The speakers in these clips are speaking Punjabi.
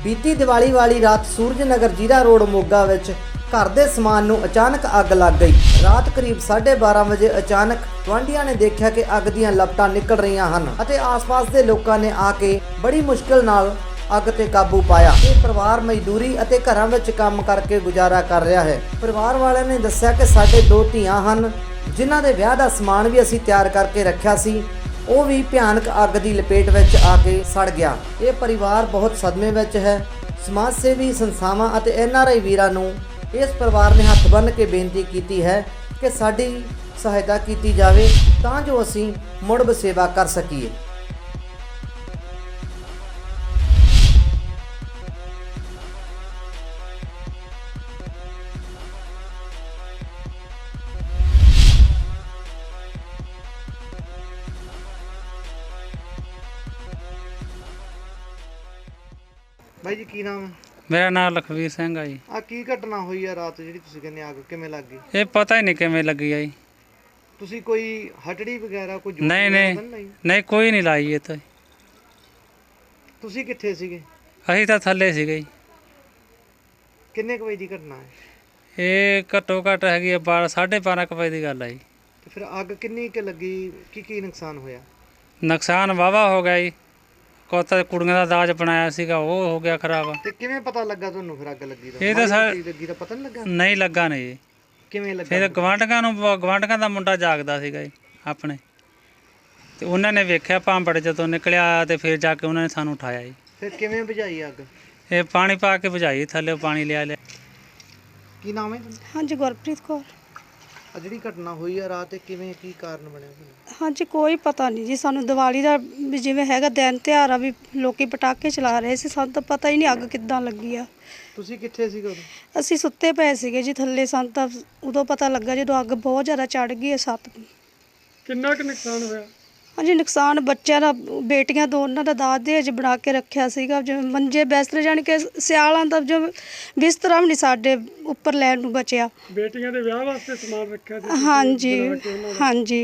बीती दिवाली वाली रात सूरज नगर जीरा रोड मोगा विच घर दे समान नूं अचानक अग लग गई। रात करीब 12:30 वजे अचानक गुआंढियां ने देखा कि अग दीयां लपटां निकल रहीआं हन अते आस-पास दे लोकां ने आके बड़ी मुश्किल नाल अग ते काबू पाया। ਇਹ ਪਰਿਵਾਰ ਮਜ਼ਦੂਰੀ ਅਤੇ ਘਰਾਂ ਵਿੱਚ ਕੰਮ ਕਰਕੇ ਗੁਜ਼ਾਰਾ ਕਰ ਰਿਹਾ ਹੈ। ਪਰਿਵਾਰ ਵਾਲਿਆਂ ਨੇ ਦੱਸਿਆ ਕਿ ਸਾਡੇ 2 ਧੀਆਂ ਹਨ ਜਿਨ੍ਹਾਂ ਦੇ ਵਿਆਹ ਦਾ ਸਮਾਨ ਵੀ ਅਸੀਂ ਤਿਆਰ ਕਰਕੇ ਰੱਖਿਆ ਸੀ, ਉਹ ਵੀ ਭਿਆਨਕ ਅੱਗ ਦੀ ਲਪੇਟ ਵਿੱਚ ਆ ਕੇ ਸੜ ਗਿਆ। ਇਹ ਪਰਿਵਾਰ ਬਹੁਤ ਸਦਮੇ ਵਿੱਚ ਹੈ। ਸਮਾਜ ਸੇਵੀ ਸੰਸਥਾਵਾਂ ਅਤੇ NRI ਵੀਰਾਂ ਨੂੰ ਇਸ ਪਰਿਵਾਰ ਨੇ ਹੱਥ ਬੰਨ੍ਹ ਕੇ ਬੇਨਤੀ ਕੀਤੀ ਹੈ ਕਿ ਸਾਡੀ ਸਹਾਇਤਾ ਕੀਤੀ ਜਾਵੇ ਤਾਂ ਜੋ ਅਸੀਂ ਮੁੜ ਬਸੇਵਾ ਕਰ ਸਕੀਏ। भाई जी की नाम है? मेरा नाम लखवीर सिंह है जी। आ की घटना हुई है रात जी तुसीं कहंदे अग किवें लग गई? ये पता ही नहीं किवें लगी है जी। तुसीं कोई हटड़ी वगैरह कोई जोत नहीं वगैरह नहीं नहीं नहीं कोई नहीं लाई ये तो। तुसीं कित्थे सीगे? असीं तां थल्ले सीगे जी। किन्ने क बजे दी घटना है? ये घट्टो घट्ट हैगी 12:30 वजे दी गल है जी। ते फिर अग किन्नी क लगी, की नुकसान होया? नुकसान वाहवा हो गया जी। कोता कुड़ियां दा दाज बनाया सीगा वो हो गया खराब। ते किवें पता लगा तुहानूं फिर अग लगी दा? ये तो लगी दा पता नहीं लगा? नहीं लगा नहीं जी। किवें लगा? फिर ਗਵਾਂਢੀਆਂ ਦਾ ਮੁੰਡਾ ਜਾਗਦਾ ਸੀਗਾ ਜੀ ਆਪਣੇ, ਤੇ ਉਹਨਾਂ ਨੇ ਵੇਖਿਆ ਭਾਂਬੜ ਜਦੋਂ ਨਿਕਲਿਆ ਤੇ ਫਿਰ ਜਾ ਕੇ ਉਹਨਾਂ ਨੇ ਸਾਨੂੰ ਉਠਾਇਆ ਜੀ। फिर किवें बुझाई अग? ਇਹ ਪਾਣੀ ਪਾ ਕੇ ਬੁਝਾਈ, ਥੱਲੇ ਪਾਣੀ ਲਿਆ। की नाम है? हाँ जी गुरप्रीत कौर। आ जिहड़ी घटना हुई है रात किवें की कारण बनिया? हाँ जी कोई पता नहीं जी, सानू दिवाली का भी जिवें हैगा दिन त्योहार आ भी लोकी पटाके चला रहे सी, सानू तो पता ही नहीं अग किद्दां लगी आ। ਤੁਸੀਂ ਕਿੱਥੇ ਸੀਗੇ ਉਦੋਂ? ਅਸੀਂ ਸੁੱਤੇ ਪਏ ਸੀਗੇ ਜੀ ਥੱਲੇ, ਸਾਨੂੰ ਤਾਂ ਉਦੋਂ ਪਤਾ ਲੱਗਾ ਜਦੋਂ ਅੱਗ ਬਹੁਤ ਜ਼ਿਆਦਾ ਚੜ ਗਈ ਹੈ ਛੱਤ। ਕਿੰਨਾ ਕੁ ਨੁਕਸਾਨ ਹੋਇਆ? ਹਾਂਜੀ ਨੁਕਸਾਨ ਬੱਚਿਆਂ ਦਾ, ਬੇਟੀਆਂ ਦੋਨਾਂ ਦਾ ਦਾਜ ਦਹੇਜ ਬਣਾ ਕੇ ਰੱਖਿਆ ਸੀਗਾ, ਜਿਵੇਂ ਮੰਜੇ ਬਿਸਤਰੇ, ਜਾਣੀ ਕਿ ਸਿਆਲਾਂ ਦਾ ਜੋ ਬਿਸਤਰਾ ਵੀ ਨਹੀਂ ਸਾਡੇ ਉੱਪਰ ਲੈਣ ਨੂੰ ਬਚਿਆ। ਬੇਟੀਆਂ ਦੇ ਵਿਆਹ ਵਾਸਤੇ ਸਮਾਨ ਰੱਖਿਆ ਸੀ? ਹਾਂਜੀ ਹਾਂਜੀ।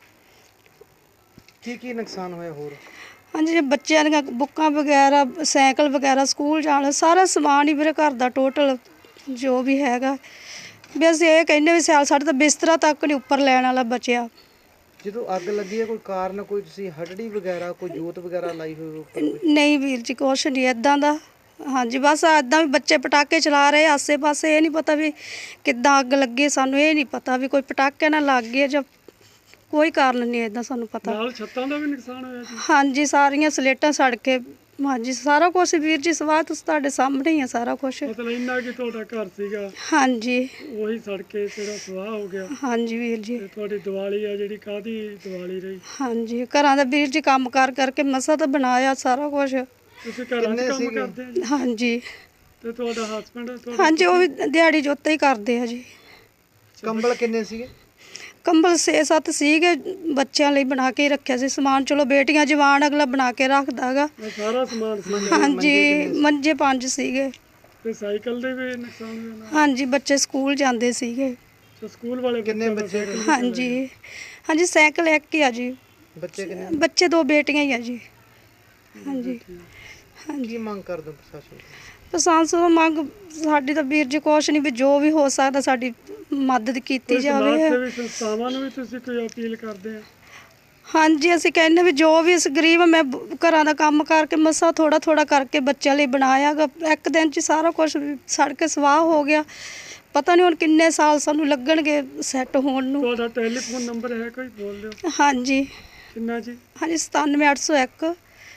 ਕੀ ਨੁਕਸਾਨ ਹੋਇਆ ਹੋਰ? ਹਾਂਜੀ ਜੇ ਬੱਚਿਆਂ ਦੀਆਂ ਬੁੱਕਾਂ ਵਗੈਰਾ, ਸਾਈਕਲ ਵਗੈਰਾ, ਸਕੂਲ ਜਾਣ ਸਾਰਾ ਸਮਾਨ ਹੀ ਮੇਰੇ ਘਰ ਦਾ ਟੋਟਲ ਜੋ ਵੀ ਹੈਗਾ ਵੀ ਅਸੀਂ ਇਹ ਕਹਿੰਦੇ ਵੀ ਸਿਆਲ ਸਾਡੇ ਤਾਂ ਬਿਸਤਰਾ ਤੱਕ ਨਹੀਂ ਉੱਪਰ ਲੈਣ ਵਾਲਾ ਬਚਿਆ। ਜਦੋਂ ਅੱਗ ਲੱਗੀ ਹੈ ਕੋਈ ਕਾਰਨ, ਕੋਈ ਤੁਸੀਂ ਹਟੜੀ ਵਗੈਰਾ ਕੋਈ ਜੋਤ ਵਗੈਰਾ ਲਾਈ ਹੋਈ ਉੱਪਰ? ਨਹੀਂ ਵੀਰ ਜੀ ਕੁਛ ਨਹੀਂ ਇੱਦਾਂ ਦਾ। ਹਾਂਜੀ ਬਸ ਇੱਦਾਂ ਵੀ ਬੱਚੇ ਪਟਾਕੇ ਚਲਾ ਰਹੇ ਆਸੇ ਪਾਸੇ, ਇਹ ਨਹੀਂ ਪਤਾ ਵੀ ਕਿੱਦਾਂ ਅੱਗ ਲੱਗੀ, ਸਾਨੂੰ ਇਹ ਨਹੀਂ ਪਤਾ ਵੀ ਕੋਈ ਪਟਾਕੇ ਨਾਲ ਲੱਗ ਗਏ ਜਾਂ ਕੋਈ ਕਾਰਨ ਨਹੀਂ ਇੱਦਾਂ ਸਾਨੂੰ ਪਤਾ। ਨਾਲ ਛੱਤਾਂ ਦਾ ਵੀ ਨੁਕਸਾਨ ਹੋਇਆ ਜੀ? ਹਾਂਜੀ ਸਾਰੀਆਂ ਸਲੇਟਾਂ ਸੜ ਕੇ, ਹਾਂਜੀ ਸਾਰਾ ਕੁਛ ਵੀਰ ਜੀ ਸਵਾਹ ਤੁਸੀਂ ਤੁਹਾਡੇ ਸਾਹਮਣੇ ਹੀ ਆ ਸਾਰਾ ਕੁਛ। ਮਤਲਬ ਇੰਨਾ ਕਿ ਤੁਹਾਡਾ ਘਰ ਸੀਗਾ ਹਾਂਜੀ ਉਹੀ ਸੜ ਕੇ ਜਿਹੜਾ ਸਵਾਹ ਹੋ ਗਿਆ? ਹਾਂਜੀ ਵੀਰ ਜੀ। ਤੇ ਤੁਹਾਡੀ ਦੀਵਾਲੀ ਆ ਜਿਹੜੀ ਕਾਹਦੀ ਦੀਵਾਲੀ ਰਹੀ? ਹਾਂਜੀ ਘਰਾਂ ਦਾ ਵੀਰ ਜੀ ਕੰਮ ਕਰਕੇ ਮਸਾ ਤਾਂ ਬਣਾਇਆ ਸਾਰਾ ਕੁਛ। ਤੁਸੀਂ ਘਰਾਂ 'ਚ ਕੰਮ ਕਰਦੇ ਆ ਜੀ? ਹਾਂਜੀ। ਤੇ ਤੁਹਾਡਾ ਹਸਬੰਡ? ਹਾਂਜੀ ਉਹ ਵੀ ਦਿਹਾੜੀ ਜੋਤੇ ਹੀ ਕਰਦੇ ਆ ਜੀ। ਕੰਬਲ ਕਿੰਨੇ ਸੀਗੇ? ਕੰਬਲ 6-7 ਸੀਗੇ, ਬੱਚਿਆਂ ਲਈ ਬਣਾ ਕੇ ਰੱਖਿਆ ਸੀ ਸਮਾਨ। ਚਲੋ ਬੇਟੀਆਂ ਜਵਾਨ ਅਗਲਾ ਬਣਾ ਕੇ ਰੱਖਦਾ ਹੈਗਾ। ਸਾਰਾ ਸਮਾਨ ਸੀ? ਹਾਂਜੀ ਮੰਜੇ 5 ਸੀਗੇ। ਤੇ ਸਾਈਕਲ ਦੇ ਵੀ ਨੁਕਸਾਨ ਹੋਇਆ? ਹਾਂਜੀ ਬੱਚੇ ਸਕੂਲ ਜਾਂਦੇ ਸੀਗੇ। ਤੇ ਸਕੂਲ ਵਾਲੇ ਕਿੰਨੇ ਬੱਚੇ? ਹਾਂਜੀ ਹਾਂਜੀ ਸਾਈਕਲ ਇੱਕ ਹੀ ਆ ਜੀ। ਬੱਚੇ ਕਿੰਨੇ? ਬੱਚੇ 2 ਬੇਟੀਆਂ ਹੀ ਆ ਜੀ। ਹਾਂਜੀ ਹਾਂਜੀ। ਕੀ ਮੰਗ ਕਰਦੇ ਪ੍ਰਸ਼ਾਸਨ? ਪ੍ਰਸ਼ਾਸਨ ਮੰਗ ਸਾਡੀ ਤਾਂ ਵੀਰ ਜੀ ਕੁਛ ਨਹੀਂ ਵੀ ਜੋ ਵੀ ਹੋ ਸਕਦਾ ਸਾਡੀ ਮਦਦ ਕੀਤੀ ਜਾਵੇ। ਸਮਾਜ ਸੇਵੀ ਸੰਸਥਾਵਾਂ ਨੂੰ ਵੀ ਤੁਸੀਂ ਕੋਈ ਅਪੀਲ ਕਰਦੇ ਆ? ਹਾਂਜੀ ਅਸੀਂ ਕਹਿੰਦੇ ਵੀ ਜੋ ਵੀ ਇਸ ਗਰੀਬ, ਮੈਂ ਘਰਾਂ ਦਾ ਕੰਮ ਕਰਕੇ ਮਸਾ ਥੋੜਾ ਕਰਕੇ ਬੱਚਿਆਂ ਲਈ ਬਣਾਇਆ ਗਾ, ਇੱਕ ਦਿਨ 'ਚ ਸਾਰਾ ਕੁਝ ਸੜ ਕੇ ਸਵਾਹ ਹੋ ਗਿਆ। ਪਤਾ ਨਹੀਂ ਹੁਣ ਕਿੰਨੇ ਸਾਲ ਸਾਨੂੰ ਲੱਗਣਗੇ ਸੈੱਟ ਹੋਣ ਨੂੰ। ਤੁਹਾਡਾ ਟੈਲੀਫੋਨ ਨੰਬਰ ਹੈ ਕੋਈ? ਬੋਲ ਦਿਓ। ਹਾਂਜੀ ਕਿੰਨਾ ਜੀ? ਹਾਂਜੀ 97801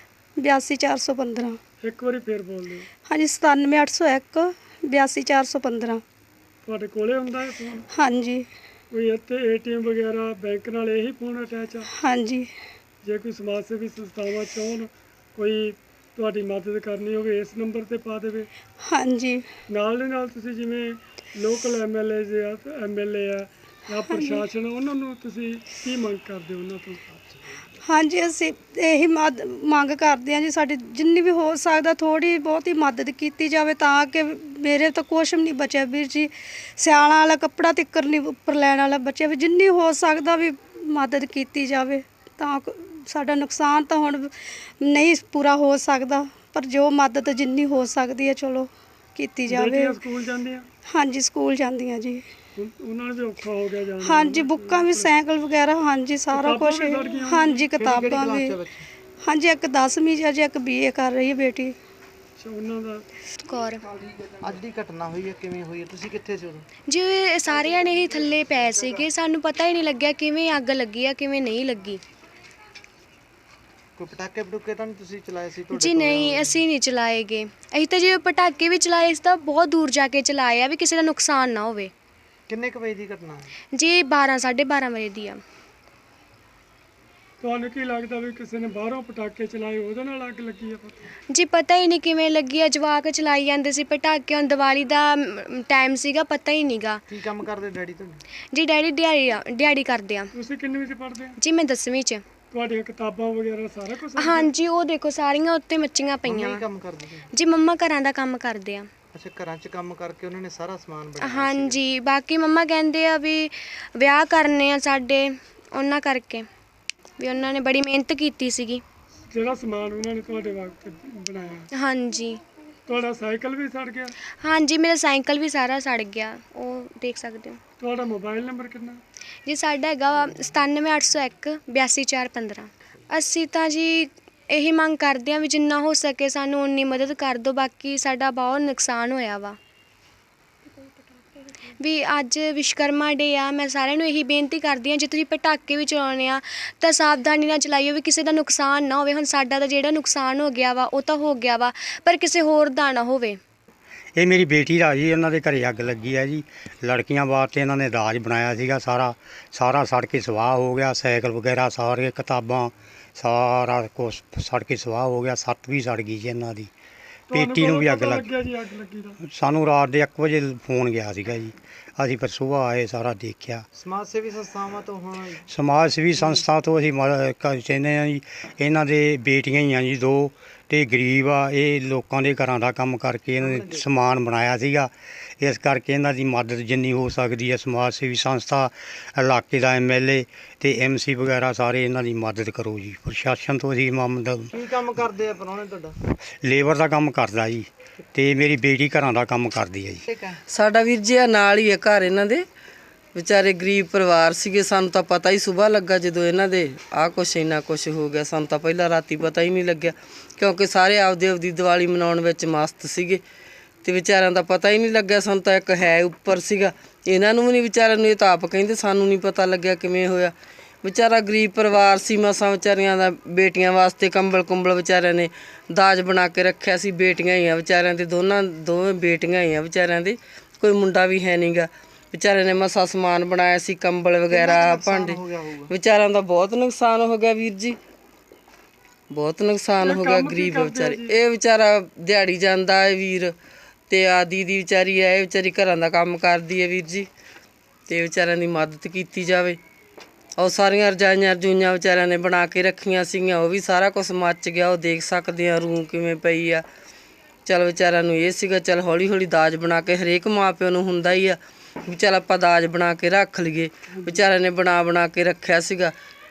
82415। ਇੱਕ ਵਾਰੀ ਫੇਰ ਬੋਲ ਦਿਓ। ਹਾਂਜੀ 97801 82415। ਤੁਹਾਡੇ ਕੋਲੇ ਹੁੰਦਾ ਹੈ ਫੋਨ? ਹਾਂਜੀ। ਕੋਈ ਇੱਥੇ ATM ਵਗੈਰਾ ਬੈਂਕ ਨਾਲ ਇਹੀ ਫੋਨ ਅਟੈਚ ਆ? ਹਾਂਜੀ। ਜੇ ਕੋਈ ਸਮਾਜ ਸੇਵੀ ਸੰਸਥਾਵਾਂ ਚਾਹੁਣ ਕੋਈ ਤੁਹਾਡੀ ਮਦਦ ਕਰਨੀ ਹੋਵੇ ਇਸ ਨੰਬਰ ਤੇ ਪਾ ਦੇਵੇ। ਹਾਂਜੀ। ਨਾਲ ਦੇ ਨਾਲ ਤੁਸੀਂ ਜਿਵੇਂ ਲੋਕਲ MLA ਆ, MLA ਆ ਜਾਂ ਪ੍ਰਸ਼ਾਸਨ, ਉਹਨਾਂ ਨੂੰ ਤੁਸੀਂ ਕੀ ਮੰਗ ਕਰਦੇ ਹੋ ਉਹਨਾਂ ਤੋਂ? ਹਾਂਜੀ ਅਸੀਂ ਇਹੀ ਮੰਗ ਕਰਦੇ ਹਾਂ ਜੀ, ਸਾਡੀ ਜਿੰਨੀ ਵੀ ਹੋ ਸਕਦਾ ਥੋੜ੍ਹੀ ਬਹੁਤੀ ਮਦਦ ਕੀਤੀ ਜਾਵੇ ਤਾਂ ਕਿ ਮੇਰੇ ਤਾਂ ਕੁਛ ਵੀ ਨਹੀਂ ਬਚਿਆ ਵੀਰ ਜੀ। ਸਿਆਲਾਂ ਵਾਲਾ ਕੱਪੜਾ ਤਿੱਕਰ ਨਹੀਂ ਉੱਪਰ ਲੈਣ ਵਾਲਾ ਬਚਿਆ, ਵੀ ਜਿੰਨੀ ਹੋ ਸਕਦਾ ਵੀ ਮਦਦ ਕੀਤੀ ਜਾਵੇ ਤਾਂ ਸਾਡਾ ਨੁਕਸਾਨ ਤਾਂ ਹੁਣ ਨਹੀਂ ਪੂਰਾ ਹੋ ਸਕਦਾ। ਪਰ ਜੋ ਮਦਦ ਜਿੰਨੀ ਹੋ ਸਕਦੀ ਹੈ ਚਲੋ ਕੀਤੀ ਜਾਵੇ। ਬੇਟੀਆਂ ਸਕੂਲ ਜਾਂਦੀਆਂ? ਹਾਂਜੀ ਸਕੂਲ ਜਾਂਦੀਆਂ ਜੀ। ਉਹਨਾਂ ਨੂੰ ਵੀ ਔਖਾ ਹੋ ਗਿਆ ਜਾਣਾ। ਹਾਂਜੀ ਬੁੱਕਾਂ ਵੀ ਸਾਈਕਲ ਵਗੈਰਾ ਹਾਂਜੀ ਸਾਰਾ ਕਿਤਾਬਾਂ ਕੁਝ। ਵੀ ਸੜ ਗਈਆਂ? ਹਾਂਜੀ ਕਿਹੜੀ ਕਿਤਾਬਾਂ ਕਲਾਸ ਵੀ। ਚ ਬੱਚੇ? ਹਾਂਜੀ ਇੱਕ 10ਵੀਂ 'ਚ ਅਜੇ ਇੱਕ BA ਕਰ ਰਹੀ ਹੈ ਬੇਟੀ। ਅੱਛਾ, ਉਹਨਾਂ ਦਾ ਕੌਰ ਅੱਜ ਦੀ ਘਟਨਾ ਹੋਈ ਹੈ, ਕਿਵੇਂ ਹੋਈ ਹੈ, ਤੁਸੀਂ ਕਿੱਥੇ ਸੀ ਉਦੋਂ? ਜਿਵੇਂ ਸਾਰਿਆਂ ਨੇ ਹੀ ਥੱਲੇ ਪਏ ਸੀਗੇ, ਸਾਨੂੰ ਪਤਾ ਹੀ ਨਹੀਂ ਲੱਗਿਆ ਕਿਵੇਂ ਅੱਗ ਲੱਗੀ ਆ ਕਿਵੇਂ ਨਹੀਂ ਲੱਗੀ ਕੋਈ ਪਟਾਕੇ ਪਟੂਕੇ ਤਾਂ ਨਹੀਂ ਤੁਸੀਂ ਚਲਾਏ ਸੀ ਤੁਹਾਡੇ ਜੀ। ਕੋਲ? ਨਹੀਂ ਅਸੀਂ ਨਹੀਂ ਚਲਾਏਗੇ। ਅਸੀਂ ਤਾਂ ਜੇ ਪਟਾਕੇ ਵੀ ਚਲਾਏ ਸੀ ਤਾਂ ਬਹੁਤ ਦੂਰ ਜਾ ਕੇ ਚਲਾਏ ਆ ਵੀ ਕਿਸੇ ਦਾ ਨੁਕਸਾਨ ਨਾ ਹੋਵੇ। ਕਿੰਨੇ ਕੁ ਵਜੇ ਦੀ ਘਟਨਾ ਹੈ? ਜੀ 12 ਵਜੇ ਦੀ ਆ। ਤੁਹਾਨੂੰ ਕੀ ਲੱਗਦਾ ਵੀ ਕਿਸੇ ਨੇ ਬਾਹਰੋਂ ਪਟਾਕੇ ਚਲਾਏ ਉਹਦੇ ਨਾਲ ਅੱਗ ਲੱਗੀ ਆ? ਪਤਾ ਜੀ ਪਤਾ ਹੀ ਨਹੀਂ ਕਿਵੇਂ ਲੱਗੀ ਆ। ਜਵਾਕ ਚਲਾਈ ਜਾਂਦੇ ਸੀ ਪਟਾਕੇ। ਹੁਣ ਦੀਵਾਲੀ ਦਾ ਟਾਈਮ ਸੀਗਾ, ਪਤਾ ਹੀ ਨਹੀਂਗਾ। ਕੀ ਕੰਮ ਕਰਦੇ ਡੈਡੀ ਤੁਹਾਡੇ? ਜੀ ਡੈਡੀ ਦਿਹਾੜੀ ਕਰਦੇ ਆ। ਤੁਸੀਂ ਕਿੰਨਵੀਂ 'ਚ ਪੜ੍ਹਦੇ ਆ? ਜੀ ਮੈਂ 10ਵੀਂ 'ਚ। ਤੁਹਾਡੀਆਂ ਕਿਤਾਬਾਂ ਵਗੈਰਾ ਸਾਰਾ ਕੁਝ? ਹਾਂਜੀ ਉਹ ਦੇਖੋ ਸਾਰੀਆਂ ਉੱਤੇ ਮੱਚੀਆਂ ਮੰਮੀ ਪਈਆਂ ਕੀ ਵਾ। ਕੰਮ ਕਰਦੇ ਸੀ? ਜੀ ਮੰਮਾ ਘਰਾਂ ਦਾ ਕੰਮ ਕਰਦੇ ਆ। ਅੱਛਾ, ਘਰਾਂ 'ਚ ਕੰਮ ਕਰਕੇ ਉਹਨਾਂ ਨੇ ਸਾਰਾ ਸਮਾਨ ਬਣਾਇਆ ਸੀ? ਹਾਂਜੀ ਬਾਕੀ ਮੰਮਾ ਕਹਿੰਦੇ ਆ ਵੀ ਵਿਆਹ ਕਰਨੇ ਆ ਸਾਡੇ, ਉਹਨਾਂ ਕਰਕੇ ਵੀ ਉਹਨਾਂ ਨੇ ਬੜੀ ਮਿਹਨਤ ਕੀਤੀ ਸੀਗੀ। ਜਿਹੜਾ ਸਮਾਨ ਉਹਨਾਂ ਨੇ ਤੁਹਾਡੇ ਵਾਸਤੇ ਬਣਾਇਆ। ਹਾਂਜੀ ਤੁਹਾਡਾ ਸਾਈਕਲ ਵੀ ਸੜ ਗਿਆ? ਹਾਂਜੀ ਮੇਰਾ ਸਾਈਕਲ ਵੀ ਸਾਰਾ ਸੜ ਗਿਆ, ਉਹ ਦੇਖ ਸਕਦੇ ਹੋ। ਤੁਹਾਡਾ ਮੋਬਾਈਲ ਨੰਬਰ ਕਿੰਨਾ? ਜੀ ਸਾਡਾ ਹੈਗਾ ਵਾ 97801 82415। ਅਸੀਂ ਤਾਂ ਜੀ ਇਹੀ ਮੰਗ ਕਰਦੇ ਹਾਂ ਵੀ ਜਿੰਨਾ ਹੋ ਸਕੇ ਸਾਨੂੰ ਉਨੀ ਮਦਦ ਕਰ ਦਿਓ। ਬਾਕੀ ਸਾਡਾ ਬਹੁਤ ਨੁਕਸਾਨ ਹੋਇਆ ਵਾ ਵੀ ਅੱਜ ਵਿਸ਼ਵਕਰਮਾ ਡੇ ਆ। ਮੈਂ ਸਾਰਿਆਂ ਨੂੰ ਇਹੀ ਬੇਨਤੀ ਕਰਦੀ ਹਾਂ ਜੇ ਤੁਸੀਂ ਪਟਾਕੇ ਵੀ ਚਲਾਉਣੇ ਆ ਤਾਂ ਸਾਵਧਾਨੀ ਨਾਲ ਚਲਾਈਓ ਵੀ ਕਿਸੇ ਦਾ ਨੁਕਸਾਨ ਨਾ ਹੋਵੇ। ਹੁਣ ਸਾਡਾ ਤਾਂ ਜਿਹੜਾ ਨੁਕਸਾਨ ਹੋ ਗਿਆ ਵਾ ਉਹ ਤਾਂ ਹੋ ਗਿਆ ਵਾ, ਪਰ ਕਿਸੇ ਹੋਰ ਦਾ ਨਾ ਹੋਵੇ। ਇਹ ਮੇਰੀ ਬੇਟੀ ਦਾ ਜੀ, ਉਹਨਾਂ ਦੇ ਘਰੇ ਅੱਗ ਲੱਗੀ ਹੈ ਜੀ। ਲੜਕੀਆਂ ਵਾਸਤੇ ਇਹਨਾਂ ਨੇ ਦਾਜ ਬਣਾਇਆ ਸੀਗਾ, ਸਾਰਾ ਸੜ ਕੇ ਸਵਾਹ ਹੋ ਗਿਆ। ਸਾਈਕਲ ਵਗੈਰਾ ਸਾਰੇ, ਕਿਤਾਬਾਂ ਸਾਰਾ ਕੁਛ ਸੜ ਕੇ ਸਵਾਹ ਹੋ ਗਿਆ। ਸੱਤ ਵੀ ਸੜ ਗਈ ਜੀ ਇਹਨਾਂ ਦੀ। ਪੇਟੀ ਨੂੰ ਵੀ ਅੱਗ ਲੱਗ ਲੱਗਿਆ ਜੀ? ਅੱਗ ਲੱਗੀ ਦਾ ਸਾਨੂੰ ਰਾਤ ਦੇ 1 ਵਜੇ ਫੋਨ ਗਿਆ ਸੀਗਾ ਜੀ। ਅਸੀਂ ਫਿਰ ਸੁਬਾਹ ਆਏ, ਸਾਰਾ ਦੇਖਿਆ। ਸਮਾਜ ਸੇਵੀ ਸੰਸਥਾਵਾਂ ਤੋਂ ਹੁਣ ਸਮਾਜ ਸੇਵੀ ਸੰਸਥਾ ਤੋਂ ਅਸੀਂ ਚਾਹੁੰਦੇ ਹਾਂ ਜੀ, ਇਹਨਾਂ ਦੇ ਬੇਟੀਆਂ ਹੀ ਆ ਜੀ 2 ਤੇ ਗਰੀਬ ਆ। ਇਹ ਲੋਕਾਂ ਦੇ ਘਰਾਂ ਦਾ ਕੰਮ ਕਰਕੇ ਇਹਨਾਂ ਨੇ ਸਮਾਨ ਬਣਾਇਆ ਸੀਗਾ। ਇਸ ਕਰਕੇ ਇਹਨਾਂ ਦੀ ਮਦਦ ਜਿੰਨੀ ਹੋ ਸਕਦੀ ਹੈ ਸਮਾਜ ਸੇਵੀ ਸੰਸਥਾ, ਇਲਾਕੇ ਦਾ MLA ਤੇ MC ਵਗੈਰਾ ਸਾਰੇ ਇਹਨਾਂ ਦੀ ਮਦਦ ਕਰੋ ਜੀ। ਪ੍ਰਸ਼ਾਸਨ ਤੋਂ ਅਸੀਂ ਕੀ ਕੰਮ ਕਰਦੇ ਆ ਪ੍ਰਾਹੁਣੇ ਤੁਹਾਡਾ? ਲੇਬਰ ਦਾ ਕੰਮ ਕਰਦਾ ਜੀ, ਤੇ ਮੇਰੀ ਬੇਟੀ ਘਰਾਂ ਦਾ ਕੰਮ ਕਰਦੀ ਹੈ ਜੀ। ਠੀਕ ਹੈ। ਸਾਡਾ ਵੀਰ ਜੀ ਆ ਨਾਲ ਹੀ ਹੈ ਘਰ ਇਹਨਾਂ ਦੇ। ਵਿਚਾਰੇ ਗਰੀਬ ਪਰਿਵਾਰ ਸੀਗੇ। ਸਾਨੂੰ ਤਾਂ ਪਤਾ ਹੀ ਸੁਬਾਹ ਲੱਗਾ ਜਦੋਂ ਇਹਨਾਂ ਦੇ ਆਹ ਕੁਛ ਇੰਨਾ ਕੁਛ ਹੋ ਗਿਆ। ਸਾਨੂੰ ਤਾਂ ਪਹਿਲਾਂ ਰਾਤੀ ਪਤਾ ਹੀ ਨਹੀਂ ਲੱਗਿਆ ਕਿਉਂਕਿ ਸਾਰੇ ਆਪਦੀ ਦੀਵਾਲੀ ਮਨਾਉਣ ਵਿੱਚ ਮਸਤ ਸੀਗੇ ਤੇ ਵਿਚਾਰਿਆਂ ਦਾ ਪਤਾ ਹੀ ਨਹੀਂ ਲੱਗਿਆ। ਸਾਨੂੰ ਤਾਂ ਇੱਕ ਹੈ ਉੱਪਰ ਸੀਗਾ, ਇਹਨਾਂ ਨੂੰ ਵੀ ਨਹੀਂ ਵਿਚਾਰਿਆਂ ਨੂੰ। ਇਹ ਤਾਂ ਆਪ ਕਹਿੰਦੇ ਸਾਨੂੰ ਨਹੀਂ ਪਤਾ ਲੱਗਿਆ ਕਿਵੇਂ ਹੋਇਆ। ਵਿਚਾਰਾ ਗਰੀਬ ਪਰਿਵਾਰ ਸੀ। ਮਸਾਂ ਵਿਚਾਰੀਆਂ ਦਾ ਬੇਟੀਆਂ ਵਾਸਤੇ ਕੰਬਲ ਵਿਚਾਰਿਆਂ ਨੇ ਦਾਜ ਬਣਾ ਕੇ ਰੱਖਿਆ ਸੀ। ਬੇਟੀਆਂ ਹੀ ਆ ਵਿਚਾਰਿਆਂ ਦੇ, ਦੋਵੇਂ ਬੇਟੀਆਂ ਹੀ ਆ ਵਿਚਾਰਿਆਂ ਦੇ, ਕੋਈ ਮੁੰਡਾ ਵੀ ਹੈ ਨਹੀਂਗਾ। ਵਿਚਾਰਿਆਂ ਨੇ ਮਸਾ ਸਮਾਨ ਬਣਾਇਆ ਸੀ, ਕੰਬਲ ਵਗੈਰਾ, ਭਾਂਡੇ। ਵਿਚਾਰਿਆਂ ਦਾ ਬਹੁਤ ਨੁਕਸਾਨ ਹੋ ਗਿਆ ਵੀਰ ਜੀ, ਬਹੁਤ ਨੁਕਸਾਨ ਹੋ ਗਿਆ। ਗਰੀਬ ਵਿਚਾਰੇ, ਇਹ ਵਿਚਾਰਾ ਦਿਹਾੜੀ ਜਾਂਦਾ ਹੈ ਵੀਰ, ਤੇ ਆ ਦੀਦੀ ਵਿਚਾਰੀ ਹੈ, ਇਹ ਵਿਚਾਰੀ ਘਰਾਂ ਦਾ ਕੰਮ ਕਰਦੀ ਹੈ ਵੀਰ ਜੀ। ਤੇ ਵਿਚਾਰਿਆਂ ਦੀ ਮਦਦ ਕੀਤੀ ਜਾਵੇ। ਉਹ ਸਾਰੀਆਂ ਰਜਾਈਆਂ ਵਿਚਾਰਿਆਂ ਨੇ ਬਣਾ ਕੇ ਰੱਖੀਆਂ ਸੀਗੀਆਂ, ਉਹ ਵੀ ਸਾਰਾ ਕੁਝ ਮੱਚ ਗਿਆ। ਉਹ ਦੇਖ ਸਕਦੇ ਆ ਰੂੰ ਕਿਵੇਂ ਪਈ ਆ। ਚੱਲ ਵਿਚਾਰਿਆਂ ਨੂੰ ਇਹ ਸੀਗਾ ਚੱਲ ਹੌਲੀ ਹੌਲੀ ਦਾਜ ਬਣਾ ਕੇ, ਹਰੇਕ ਮਾਂ ਪਿਓ ਨੂੰ ਹੁੰਦਾ ਹੀ ਆ ਵੀ ਚੱਲ ਆਪਾਂ ਦਾਜ ਬਣਾ ਕੇ ਰੱਖ ਲਈਏ। ਵਿਚਾਰਿਆਂ ਨੇ ਬਣਾ ਕੇ ਰੱਖਿਆ ਸੀਗਾ।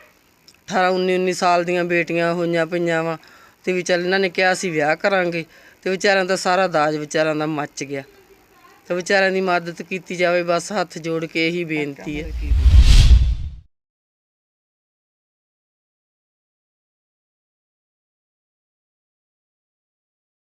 18-19 ਸਾਲ ਦੀਆਂ ਬੇਟੀਆਂ ਹੋਈਆਂ ਪਈਆਂ ਵਾ, ਤੇ ਵੀ ਚੱਲ ਇਹਨਾਂ ਨੇ ਕਿਹਾ ਸੀ ਵਿਆਹ ਕਰਾਂਗੇ, ਤੇ ਵਿਚਾਰਿਆਂ ਦਾ ਸਾਰਾ ਦਾਜ ਵਿਚਾਰਿਆਂ ਦਾ ਮੱਚ ਗਿਆ। ਤੇ ਵਿਚਾਰਿਆਂ ਦੀ ਮਦਦ ਕੀਤੀ ਜਾਵੇ, ਬਸ ਹੱਥ ਜੋੜ ਕੇ ਇਹੀ ਬੇਨਤੀ ਹੈ।